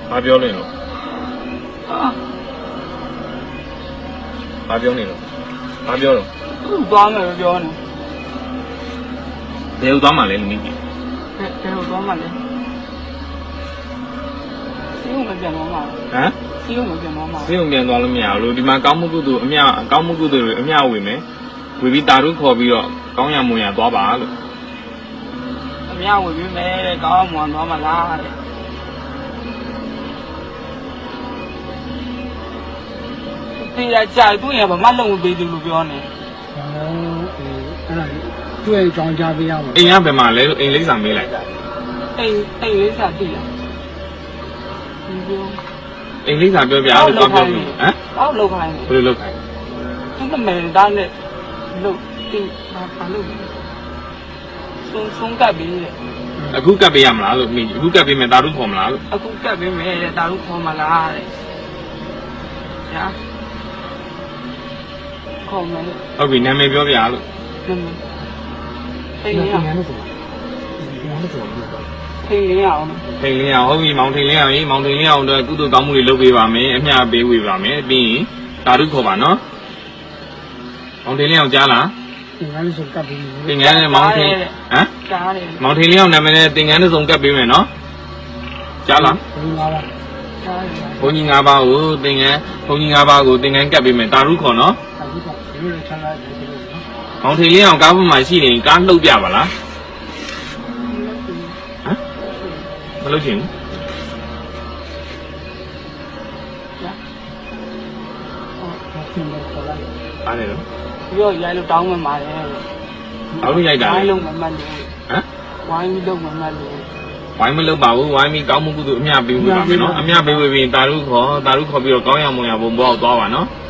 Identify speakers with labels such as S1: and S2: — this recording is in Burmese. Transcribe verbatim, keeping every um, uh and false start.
S1: ဘာပြောနေလို့ဘာပြောနေလို့ဘာပြောတော့
S2: သွားမယ်ပြောနေ
S1: ဘယ်လိုသွားမှလဲလူကြီး
S2: ဘယ်ဘယ်လိုသွားမှလဲစီးဦးမပြန်တော့မှာ
S1: ဟမ်
S2: စီးဦးမပြန်တော့မှာ
S1: စိတ်ုံပြန်သွားလို့မရဘူးလို့ဒီမှာကောင်းမှုကုသိုလ်အမြကောင်းမှုကုသိုလ်တွေအမြဝေမယ်ဝေပြီးတာရုခေါ်ပြီးတော့ကောင်းရမွန်ရသွားပါလို့
S2: အမြဝင်ပြီးမဲတဲ့ကောင်းမှန်သွားမှလားတဲ့ဒီရကြိုက်သူ့ရဘာမှလုံးမပေးဘူးလို့ပြောနေ
S3: အဲ့ဒါတွေ့ကြောင်းကြပေးရမှာ
S1: အိမ်ကဘယ်မှာလဲလို့အိမ်လိမ့်စာမေးလိုက်
S2: အိမ်အိမ်လေးစားတည်လားဒီပြော
S1: အိမ်လိမ့်စာပြောပြလို့ပြောပြပြီဟမ်
S2: အောက်လောက်ခိုင်း
S1: ဘယ်လိုလုပ်ခိုင်း
S2: သူ့မဲသားနဲ့လို့ဒီဘာဘာလို့ဆုံးဆုံးကပ်ပြီးတဲ့
S1: အခုကပ်ပေးရမလားလို့မိအခုကပ်ပေးမယ်တာရုခေါ်မလားလို့
S2: အခုကပ်ပြီးမဲတဲ့တာလို့ခေါ်မလားတဲ့ညာခေါ်မယ်
S1: ဟုတ်ပြီနာမည်ပြောပြလို့
S2: နမထိန်ရ
S3: ငါတို့ဆိုတာငါတို့ဆိုတာဘယ်လို
S2: ထိန်ရအောင်
S1: ထိန်လင်းအောင်ဟုတ်ပြီမောင်ထိန်လင်းအောင်ရေမောင်ထိန်လင်းအောင်တော့ကုသိုလ်ကောင်းမှုတွေလုပ်ပေးပါမယ်အမြပေးဝေပါမယ်ပြီးရင်တာရုခေါ်ပါနော်မောင်ထိန်လင်းအောင်ကြားလား
S3: ငါတို့ဆိုကပ်ပြီး
S1: သင်္ကန်းနဲ့မောင်ထိန်ဟမ်
S2: ကြားတယ်
S1: မောင်ထိန်လင်းအောင်နာမည်နဲ့သင်္ကန်းတစ်စုံကပ်ပေးမယ်နော်ကြားလား
S3: ဘယ်လိုလဲ
S2: ကြားတယ်
S1: ဘုန်းကြီး၅ပါးကိုသင်္ကန်းဘုန်းကြီး၅ပါးကိုသင်္ကန်းကပ်ပေးမယ်တာရုခေါ်နော်
S3: အခုကဘယ်လိုလဲချမ်းသာတယ်လို့နော်
S1: မောင်ထိန်လင်းအောင်ကားပေါ်မှာရှိနေကားလှုပ်ပြပါလားဟမ်မလှုပ်ချင်ဘူး
S3: ဟုတ်ကဲ့ခေါ်လိုက်
S1: အားနေတော့
S2: ပြီးတော့ရိုက်လို့တောင်းမှမှာတယ်
S1: ဘာလို့ရိုက်တာ
S2: ဝို
S1: လဲ
S2: င်းလုံးမမှတ်လို့
S1: ဟမ်
S2: ဝိုင်းပြီးလုံးမမှတ်လို့
S1: ဝိုင်းမလုပ်ပါဘူးဝိုင်းပြီးကောင်းမှုကုသိုလ်အမြပေးဝေးပါမယ်နော်အမြပေးဝေးပြီးတာရုခေါ်တာရုခေါ်ပြီးတော့ကောင်းရမွန်ရဘုံဘောက်သွားပါနော်